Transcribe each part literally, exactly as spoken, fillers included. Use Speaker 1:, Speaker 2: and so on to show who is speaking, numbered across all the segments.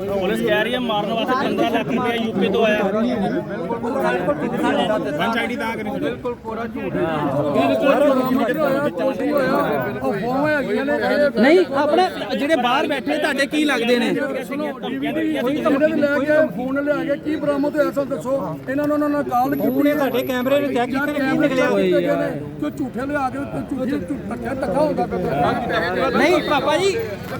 Speaker 1: Police कह रही है मारने वास्ते पंद्रह लाख रुपया यूपी तो आया पंच आईडी दा करी बिल्कुल पूरा झूठ
Speaker 2: ਨਹੀਂ ਆਪਣੇ ਜਿਹੜੇ ਬਾਹਰ ਬੈਠੇ ਤੁਹਾਡੇ ਕੀ ਲੱਗਦੇ ਨੇ
Speaker 3: ਕੋਈ ਕਮਰੇ ਦੇ ਲੈ ਕੇ ਫੋਨ ਲਿਆ ਕੇ ਕੀ ਬਰਾਮਦ ਹੋਇਆ ਸਾਨੂੰ ਦੱਸੋ ਇਹਨਾਂ ਨੂੰ ਉਹਨਾਂ ਨਾਲ ਕਾਲ ਕੀਤੀ
Speaker 2: ਨੇ ਤੁਹਾਡੇ ਕੈਮਰੇ ਨੂੰ ਚੈੱਕ ਕੀਤੇ ਕੀ ਨਿਕਲਿਆ
Speaker 3: ਜੋ ਝੂਠੇ ਲਿਆ ਕੇ ਝੂਠੇ ਧੱਕਾ ਧੱਕਾ ਹੁੰਦਾ ਪਿਆ
Speaker 2: ਨਹੀਂ ਪਾਪਾ ਜੀ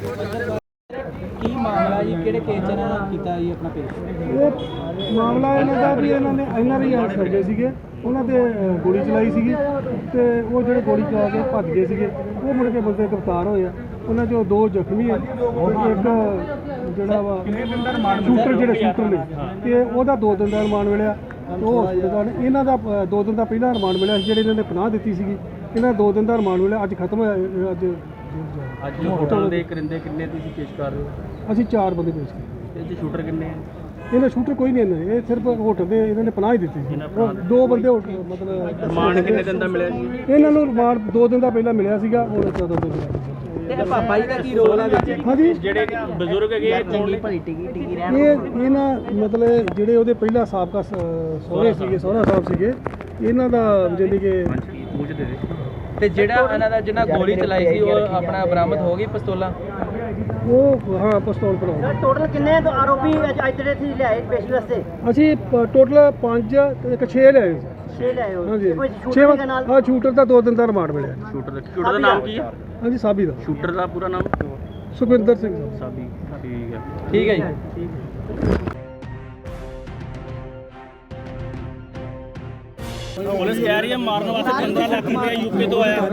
Speaker 2: ਕੀ ਮਾਮਲਾ ਜੀ ਕਿਹੜੇ ਕੇਸ ਚ ਇਹਨਾਂ ਨੇ ਕੀਤਾ ਜੀ ਆਪਣਾ ਪੇਸ਼
Speaker 4: ਇਹ ਮਾਮਲਾ ਇਹਨਾਂ ਦਾ ਵੀ ਇਹਨਾਂ ਨੇ ਐਨ ਆਰ ਆਈ ਆਰਟਸ ਕਰਦੇ ਸੀਗੇ ਉਹਨਾਂ ਤੇ ਗੋਲੀ ਚਲਾਈ ਸੀਗੀ ਤੇ ਉਹ ਜਿਹੜੇ ਗੋਲੀ ਚਲਾ ਕੇ ਭੱਜ ਗਏ ਸੀਗੇ ਉਹ ਮੁੜ ਕੇ ਬੰਦੇ ਗ੍ਰਿਫਤਾਰ ਹੋਏ ਆ ਉਹਨਾਂ ਚੋਂ ਦੋ ਜ਼ਖਮੀ ਆ ਇੱਕ ਜਿਹੜਾ ਵਾ ਸ਼ੂਟਰ ਜਿਹੜੇ ਸ਼ੂਟਰ ਨੇ ਤੇ ਉਹਦਾ ਦੋ ਦਿਨ ਦਾ ਰਿਮਾਂਡ ਮਿਲਿਆ ਉਹ ਹਸਪਤਾਲ ਇਹਨਾਂ ਦਾ ਦੋ ਦਿਨ ਦਾ ਪਹਿਲਾਂ ਰਿਮਾਂਡ ਮਿਲਿਆ ਜਿਹੜੇ ਇਹਨਾਂ ਨੇ ਪਨਾਹ ਦਿੱਤੀ ਸੀਗੀ ਇਹਨਾਂ ਦੋ ਦਿਨ ਦਾ ਰਿਮਾਂਡ ਮਿਲਿਆ ਅੱਜ ਖਤਮ ਹੋਇਆ ਅੱਜ
Speaker 1: ਅੱਜ ਹੋਟਲ ਦੇ ਕਰਿੰਦੇ ਕਿੰਨੇ ਤੁਸੀਂ ਪੇਸ਼ ਕਰ ਰਹੇ ਹੋ
Speaker 4: ਅਸੀਂ ਚਾਰ ਬੰਦੇ ਪੇਸ਼ ਕੀਤੇ
Speaker 1: ਇਹ 'ਚ ਸ਼ੂਟਰ ਕਿੰਨੇ ਆ
Speaker 4: ਇਹਨਾਂ ਸ਼ੂਟਰ ਕੋਈ ਨਹੀਂ ਇਹਨਾਂ ਇਹ ਸਿਰਫ ਹੋਟਲ ਦੇ ਇਹਨਾਂ ਨੇ ਪਨਾਹ ਹੀ ਦਿੱਤੀ ਸੀ ਉਹ ਦੋ ਬੰਦੇ ਹੋਟਲ ਮਤਲਬ
Speaker 1: ਰਿਮਾਂਡ ਕਿੰਨੇ ਦਿਨ ਦਾ ਮਿਲਿਆ ਜੀ
Speaker 4: ਇਹਨਾਂ ਨੂੰ ਰਿਮਾਂਡ ਦੋ ਦਿਨ ਦਾ ਪਹਿਲਾਂ ਮਿਲਿਆ ਸੀਗਾ ਹੁਣ ਚੌਦਾਂ ਦਿਨ ਮਿਲਿਆ
Speaker 2: ਤੇ ਪਾਪਾ ਜੀ ਦਾ ਕੀ ਰੋਲ ਹੈ ਵਿੱਚ
Speaker 4: ਹਾਂਜੀ
Speaker 1: ਜਿਹੜੇ ਬਜ਼ੁਰਗ ਹੈਗੇ ਆ
Speaker 2: ਚੰਗੀ ਭਲੀ ਟਿਕੀ ਟਿਕੀ ਰਹਿਣ
Speaker 4: ਇਹ ਇਹਨਾਂ ਮਤਲਬ ਜਿਹੜੇ ਉਹਦੇ ਪਹਿਲਾਂ ਸਾਬਕਾ ਸ- ਸਹੁਰੇ ਸੀਗੇ ਸਹੁਰਾ ਸਾਹਿਬ ਸੀਗੇ ਇਹਨਾਂ ਦਾ ਜਾਨੀ ਕਿ
Speaker 1: ਮੂੰਹ 'ਚ ਦੇ ਦੇ
Speaker 2: ਤੇ ਜਿਹੜਾ ਇਹਨਾਂ ਦਾ ਜਿਹਨਾਂ ਗੋਲੀ ਚਲਾਈ ਸੀ ਉਹ ਆਪਣਾ ਬਰਾਮਦ ਹੋ ਗਈ ਪਿਸਤੌਲਾਂ
Speaker 4: ਉਹ ਹਾਂ ਪਿਸਤੌਲ ਪੜਾਉਂਦਾ
Speaker 5: ਟੋਟਲ ਕਿੰਨੇ ਆਰੋਪੀ ਅੱਜ ਅੱਜ ਦੇ ਤੁਸੀਂ ਲਿਆਏ ਪੇਸ਼ੀ ਵਾਸਤੇ
Speaker 4: ਅਸੀਂ ਟੋਟਲ ਪੰਜ ਤੇ ਇੱਕ ਛੇ ਲਿਆਏ ਸੀ
Speaker 5: ਛੇ ਲਿਆਏ ਹੋ
Speaker 4: ਹਾਂਜੀ
Speaker 5: ਕੋਈ
Speaker 4: ਛੇ
Speaker 5: ਸ਼ੂਟਿੰਗ ਦੇ ਨਾਲ
Speaker 4: ਹਾਂ ਸ਼ੂਟਰ ਦਾ ਦੋ ਦਿਨ ਦਾ ਰਿਮਾਂਡ ਮਿਲਿਆ
Speaker 1: ਸ਼ੂਟਰ ਦਾ ਸ਼ੂਟਰ ਦਾ ਨਾਮ ਕੀ ਹੈ
Speaker 4: ਹਾਂਜੀ ਸਾਬੀ ਦਾ
Speaker 1: ਸ਼ੂਟਰ ਦਾ ਪੂਰਾ ਨਾਮ
Speaker 4: ਸੁਖਵਿੰਦਰ ਸਿੰਘ
Speaker 1: ਸਾਬੀ ਠੀਕ ਹੈ
Speaker 2: ਠੀਕ ਹੈ ਜੀ
Speaker 1: पुलिस कह रही है मारने वास्ते पंद्रह लाख रुपया यूपी तो आया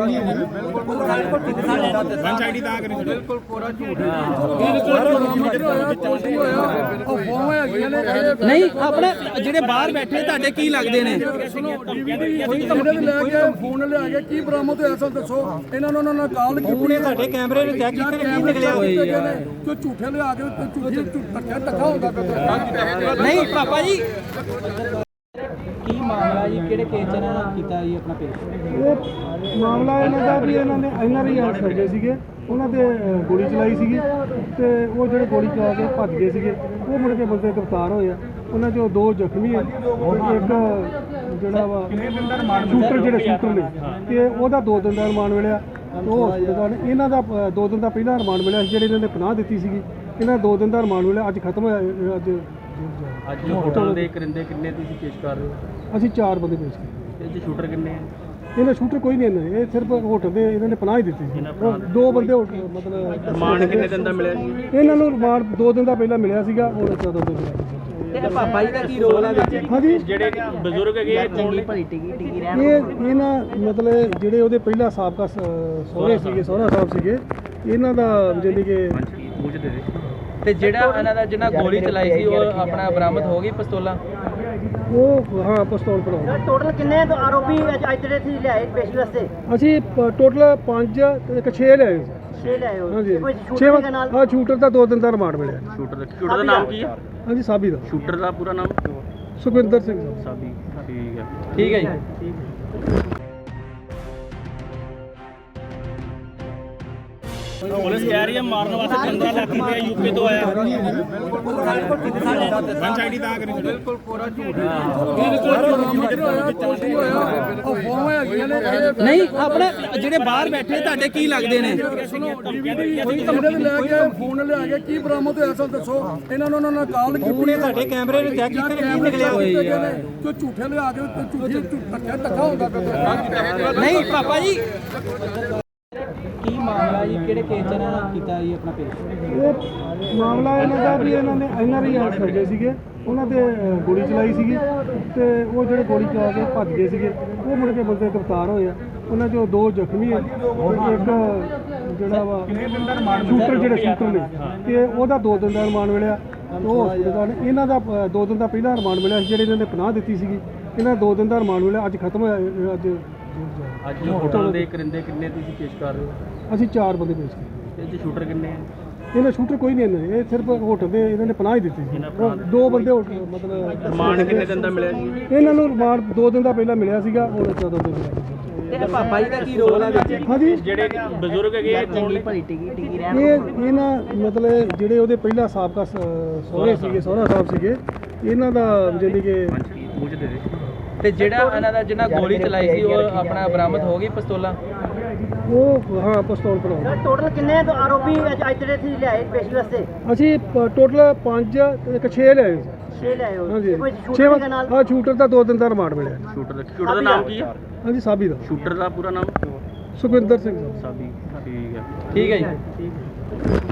Speaker 1: पंच आईडी दा करी बिल्कुल पूरा झूठ
Speaker 2: ਨਹੀਂ ਆਪਣੇ ਜਿਹੜੇ ਬਾਹਰ ਬੈਠੇ ਤੁਹਾਡੇ ਕੀ ਲੱਗਦੇ ਨੇ
Speaker 3: ਕੋਈ ਕਮਰੇ ਦੇ ਲੈ ਕੇ ਫੋਨ ਲਿਆ ਕੇ ਕੀ ਬਰਾਮਦ ਹੋਇਆ ਸਾਨੂੰ ਦੱਸੋ ਇਹਨਾਂ ਨੂੰ ਉਹਨਾਂ ਨਾਲ ਕਾਲ ਕੀਤੀ
Speaker 2: ਨੇ ਤੁਹਾਡੇ ਕੈਮਰੇ ਨੂੰ ਚੈੱਕ ਕੀਤੇ ਕੀ ਨਿਕਲਿਆ
Speaker 3: ਜੋ ਝੂਠੇ ਲਿਆ ਕੇ ਝੂਠੇ ਧੱਕਾ ਧੱਕਾ ਹੁੰਦਾ ਪਿਆ
Speaker 2: ਨਹੀਂ ਪਾਪਾ ਜੀ ਕੀ ਮਾਮਲਾ ਜੀ ਕਿਹੜੇ ਕੇਸ ਚ ਇਹਨਾਂ ਨੇ ਕੀਤਾ ਜੀ ਆਪਣਾ ਪੇਸ਼
Speaker 4: ਇਹ ਮਾਮਲਾ ਇਹਨਾਂ ਦਾ ਵੀ ਇਹਨਾਂ ਨੇ ਐਨ ਆਰ ਆਈ ਆਰਟਸ ਕਰਦੇ ਸੀਗੇ ਉਹਨਾਂ ਤੇ ਗੋਲੀ ਚਲਾਈ ਸੀਗੀ ਤੇ ਉਹ ਜਿਹੜੇ ਗੋਲੀ ਚਲਾ ਕੇ ਭੱਜ ਗਏ ਸੀਗੇ ਉਹ ਮੁੜ ਕੇ ਬੰਦੇ ਗ੍ਰਿਫਤਾਰ ਹੋਏ ਆ ਉਹਨਾਂ ਚੋਂ ਦੋ ਜ਼ਖਮੀ ਆ ਇੱਕ ਜਿਹੜਾ ਵਾ ਸ਼ੂਟਰ ਜਿਹੜੇ ਸ਼ੂਟਰ ਨੇ ਤੇ ਉਹਦਾ ਦੋ ਦਿਨ ਦਾ ਰਿਮਾਂਡ ਮਿਲਿਆ ਉਹ ਹਸਪਤਾਲ ਇਹਨਾਂ ਦਾ ਦੋ ਦਿਨ ਦਾ ਪਹਿਲਾਂ ਰਿਮਾਂਡ ਮਿਲਿਆ ਜਿਹੜੇ ਇਹਨਾਂ ਨੇ ਪਨਾਹ ਦਿੱਤੀ ਸੀਗੀ ਇਹਨਾਂ ਦੋ ਦਿਨ ਦਾ ਰਿਮਾਂਡ ਮਿਲਿਆ ਅੱਜ ਖਤਮ ਹੋਇਆ ਅੱਜ
Speaker 1: ਅੱਜ ਹੋਟਲ ਦੇ ਕਰਿੰਦੇ ਕਿੰਨੇ ਤੁਸੀਂ ਪੇਸ਼ ਕਰ ਰਹੇ ਹੋ
Speaker 4: ਅਸੀਂ ਚਾਰ ਬੰਦੇ ਪੇਸ਼ ਕੀਤੇ
Speaker 1: ਇਹ 'ਚ ਸ਼ੂਟਰ ਕਿੰਨੇ ਆ
Speaker 4: ਇਹਨਾਂ ਸ਼ੂਟਰ ਕੋਈ ਨਹੀਂ ਇਹਨਾਂ ਇਹ ਸਿਰਫ ਹੋਟਲ ਦੇ ਇਹਨਾਂ ਨੇ ਪਨਾਹ ਹੀ ਦਿੱਤੀ ਸੀ ਉਹ ਦੋ ਬੰਦੇ ਹੋਟਲ ਮਤਲਬ
Speaker 1: ਰਿਮਾਂਡ ਕਿੰਨੇ ਦਿਨ ਦਾ ਮਿਲਿਆ ਜੀ
Speaker 4: ਇਹਨਾਂ ਨੂੰ ਰਿਮਾਂਡ ਦੋ ਦਿਨ ਦਾ ਪਹਿਲਾਂ ਮਿਲਿਆ ਸੀਗਾ ਹੁਣ ਚੌਦਾਂ ਦਿਨ ਮਿਲਿਆ
Speaker 2: ਤੇ ਪਾਪਾ ਜੀ ਦਾ ਕੀ ਰੋਲ ਹੈ ਵਿੱਚ
Speaker 4: ਹਾਂਜੀ
Speaker 1: ਜਿਹੜੇ ਬਜ਼ੁਰਗ ਹੈਗੇ ਆ
Speaker 2: ਚੰਗੀ ਭਲੀ ਟਿਕੀ ਟਿਕੀ ਰਹਿਣ
Speaker 4: ਇਹ ਇਹਨਾਂ ਮਤਲਬ ਜਿਹੜੇ ਉਹਦੇ ਪਹਿਲਾਂ ਸਾਬਕਾ ਸ- ਸਹੁਰੇ ਸੀਗੇ ਸਹੁਰਾ ਸਾਹਿਬ ਸੀਗੇ ਇਹਨਾਂ ਦਾ ਜਾਨੀ ਕਿ
Speaker 1: ਮੂੰਹ 'ਚ ਦੇ ਦੇ
Speaker 2: ਤੇ ਜਿਹੜਾ ਇਹਨਾਂ ਦਾ ਜਿਹਨਾਂ ਗੋਲੀ ਚਲਾਈ ਸੀ ਉਹ ਆਪਣਾ ਬਰਾਮਦ ਹੋ ਗਈ ਪਿਸਤੌਲਾਂ
Speaker 4: ਉਹ ਹਾਂ ਪਿਸਤੌਲ ਪੜਾਉਂਦਾ
Speaker 5: ਟੋਟਲ ਕਿੰਨੇ ਆਰੋਪੀ ਅੱਜ ਅੱਜ ਦੇ ਤੁਸੀਂ ਲਿਆਏ ਪੇਸ਼ੀ ਵਾਸਤੇ
Speaker 4: ਅਸੀਂ ਟੋਟਲ ਪੰਜ ਤੇ ਇੱਕ ਛੇ ਲਿਆਏ ਸੀ
Speaker 5: ਛੇ ਲਿਆਏ ਹੋ
Speaker 4: ਹਾਂਜੀ
Speaker 5: ਕੋਈ
Speaker 4: ਛੇ
Speaker 5: ਸ਼ੂਟਿੰਗ ਦੇ ਨਾਲ
Speaker 4: ਹਾਂ ਸ਼ੂਟਰ ਦਾ ਦੋ ਦਿਨ ਦਾ ਰਿਮਾਂਡ ਮਿਲਿਆ
Speaker 1: ਸ਼ੂਟਰ ਦਾ ਸ਼ੂਟਰ ਦਾ ਨਾਮ ਕੀ ਹੈ
Speaker 4: ਹਾਂਜੀ ਸਾਬੀ ਦਾ
Speaker 1: ਸ਼ੂਟਰ ਦਾ ਪੂਰਾ ਨਾਮ
Speaker 4: ਸੁਖਵਿੰਦਰ ਸਿੰਘ
Speaker 1: ਸਾਬੀ ਠੀਕ ਹੈ
Speaker 2: ਠੀਕ ਹੈ ਜੀ
Speaker 1: पुलिस कह रही है मारने वास्ते पंद्रह लाख रुपया यूपी तो आया पंच आईडी दा करी बिल्कुल पूरा झूठ
Speaker 2: ਨਹੀਂ ਆਪਣੇ ਜਿਹੜੇ ਬਾਹਰ ਬੈਠੇ ਤੁਹਾਡੇ ਕੀ ਲੱਗਦੇ ਨੇ
Speaker 3: ਕੋਈ ਕਮਰੇ ਦੇ ਲੈ ਕੇ ਫੋਨ ਲਿਆ ਕੇ ਕੀ ਬਰਾਮਦ ਹੋਇਆ ਸਾਨੂੰ ਦੱਸੋ ਇਹਨਾਂ ਨੂੰ ਉਹਨਾਂ ਨਾਲ ਕਾਲ ਕੀਤੀ
Speaker 2: ਨੇ ਤੁਹਾਡੇ ਕੈਮਰੇ ਨੂੰ ਚੈੱਕ ਕੀਤੇ ਕੀ ਨਿਕਲਿਆ
Speaker 3: ਜੋ ਝੂਠੇ ਲਿਆ ਕੇ ਝੂਠੇ ਧੱਕਾ ਧੱਕਾ ਹੁੰਦਾ ਪਿਆ
Speaker 2: ਨਹੀਂ ਪਾਪਾ ਜੀ ਕੀ ਮਾਮਲਾ ਜੀ ਕਿਹੜੇ ਕੇਸ ਚ ਇਹਨਾਂ ਨੇ ਕੀਤਾ ਜੀ ਆਪਣਾ ਪੇਸ਼
Speaker 4: ਇਹ ਮਾਮਲਾ ਇਹਨਾਂ ਦਾ ਵੀ ਇਹਨਾਂ ਨੇ ਐਨ ਆਰ ਆਈ ਆਰਟਸ ਕਰਦੇ ਸੀਗੇ ਉਹਨਾਂ ਤੇ ਗੋਲੀ ਚਲਾਈ ਸੀਗੀ ਤੇ ਉਹ ਜਿਹੜੇ ਗੋਲੀ ਚਲਾ ਕੇ ਭੱਜ ਗਏ ਸੀਗੇ ਉਹ ਮੁੜ ਕੇ ਬੰਦੇ ਗ੍ਰਿਫਤਾਰ ਹੋਏ ਆ ਉਹਨਾਂ ਚੋਂ ਦੋ ਜ਼ਖਮੀ ਆ ਇੱਕ ਜਿਹੜਾ ਵਾ ਸ਼ੂਟਰ ਜਿਹੜੇ ਸ਼ੂਟਰ ਨੇ ਤੇ ਉਹਦਾ ਦੋ ਦਿਨ ਦਾ ਰਿਮਾਂਡ ਮਿਲਿਆ ਉਹ ਹਸਪਤਾਲ ਇਹਨਾਂ ਦਾ ਦੋ ਦਿਨ ਦਾ ਪਹਿਲਾਂ ਰਿਮਾਂਡ ਮਿਲਿਆ ਜਿਹੜੇ ਇਹਨਾਂ ਨੇ ਪਨਾਹ ਦਿੱਤੀ ਸੀਗੀ ਇਹਨਾਂ ਦੋ ਦਿਨ ਦਾ ਰਿਮਾਂਡ ਮਿਲਿਆ ਅੱਜ ਖਤਮ ਹੋਇਆ ਅੱਜ
Speaker 1: ਅੱਜ ਹੋਟਲ ਦੇ ਕਰਿੰਦੇ ਕਿੰਨੇ ਤੁਸੀਂ ਪੇਸ਼ ਕਰ ਰਹੇ ਹੋ
Speaker 4: ਅਸੀਂ ਚਾਰ ਬੰਦੇ ਪੇਸ਼ ਕੀਤੇ
Speaker 1: ਇਹ 'ਚ ਸ਼ੂਟਰ ਕਿੰਨੇ ਆ
Speaker 4: ਇਹਨਾਂ ਸ਼ੂਟਰ ਕੋਈ ਨਹੀਂ ਇਹਨਾਂ ਇਹ ਸਿਰਫ ਹੋਟਲ ਦੇ ਇਹਨਾਂ ਨੇ ਪਨਾਹ ਹੀ ਦਿੱਤੀ ਸੀ ਉਹ ਦੋ ਬੰਦੇ ਹੋਟਲ ਮਤਲਬ
Speaker 1: ਰਿਮਾਂਡ ਕਿੰਨੇ ਦਿਨ ਦਾ ਮਿਲਿਆ ਜੀ
Speaker 4: ਇਹਨਾਂ ਨੂੰ ਰਿਮਾਂਡ ਦੋ ਦਿਨ ਦਾ ਪਹਿਲਾਂ ਮਿਲਿਆ ਸੀਗਾ ਹੁਣ ਚੌਦਾਂ ਦਿਨ ਮਿਲਿਆ
Speaker 2: ਤੇ ਪਾਪਾ ਜੀ ਦਾ ਕੀ ਰੋਲ ਹੈ ਵਿੱਚ?
Speaker 4: ਹਾਂਜੀ
Speaker 1: ਜਿਹੜੇ ਬਜ਼ੁਰਗ ਹੈਗੇ ਇਹ ਕੌਣ ਨੇ?
Speaker 4: ਇਹ ਇਹ ਨਾ ਮਤਲਬ ਜਿਹੜੇ ਉਹਦੇ ਪਹਿਲਾ ਸਾਬਕਾ ਸ- ਸਹੁਰੇ ਸੀਗੇ ਸਹੁਰਾ ਸਾਹਿਬ ਸੀਗੇ ਇਹਨਾਂ ਦਾ ਜਾਣੀ ਕਿ
Speaker 2: ਤੇ ਜਿਹੜਾ ਇਹਨਾਂ ਦਾ ਜਿਹਨਾਂ ਗੋਲੀ ਚਲਾਈ ਸੀ ਉਹ ਆਪਣਾ ਬਰਾਮਦ ਹੋ ਗਈ ਪਿਸਤੌਲਾਂ?
Speaker 4: ਉਹ ਹਾਂ ਪਿਸਤੌਲ ਬਣਾਉਂਦਾ
Speaker 5: ਟੋਟਲ ਕਿੰਨੇ ਤੋਂ ਆਰੋਪੀ ਅੱਜ ਅੱਜ ਦੇ ਤੁਸੀਂ ਲਿਆਏ ਪੇਸ਼ੀ ਵਾਸਤੇ?
Speaker 4: ਅਸੀਂ ਟੋਟਲ ਪੰਜ ਇੱਕ ਛੇ ਲਏ ਸੀ।
Speaker 5: ਛੇ ਲਿਆਏ ਹੋ
Speaker 4: ਹਾਂਜੀ
Speaker 5: ਕੋਈ
Speaker 4: ਛੇ
Speaker 5: ਸ਼ੂਟਿੰਗ ਦੇ ਨਾਲ
Speaker 4: ਹਾਂ ਸ਼ੂਟਰ ਦਾ ਦੋ ਦਿਨ ਦਾ ਰਿਮਾਂਡ ਮਿਲਿਆ
Speaker 1: ਸ਼ੂਟਰ ਦਾ ਸ਼ੂਟਰ ਦਾ ਨਾਮ ਕੀ ਹੈ?
Speaker 4: ਹਾਂਜੀ ਸਾਬੀ ਦਾ
Speaker 1: ਸ਼ੂਟਰ ਦਾ ਪੂਰਾ ਨਾਮ
Speaker 4: ਸੁਖਵਿੰਦਰ ਸਿੰਘ ਦਾ।
Speaker 1: ਸਾਬੀ ਠੀਕ ਹੈ।
Speaker 2: ਠੀਕ ਹੈ ਜੀ।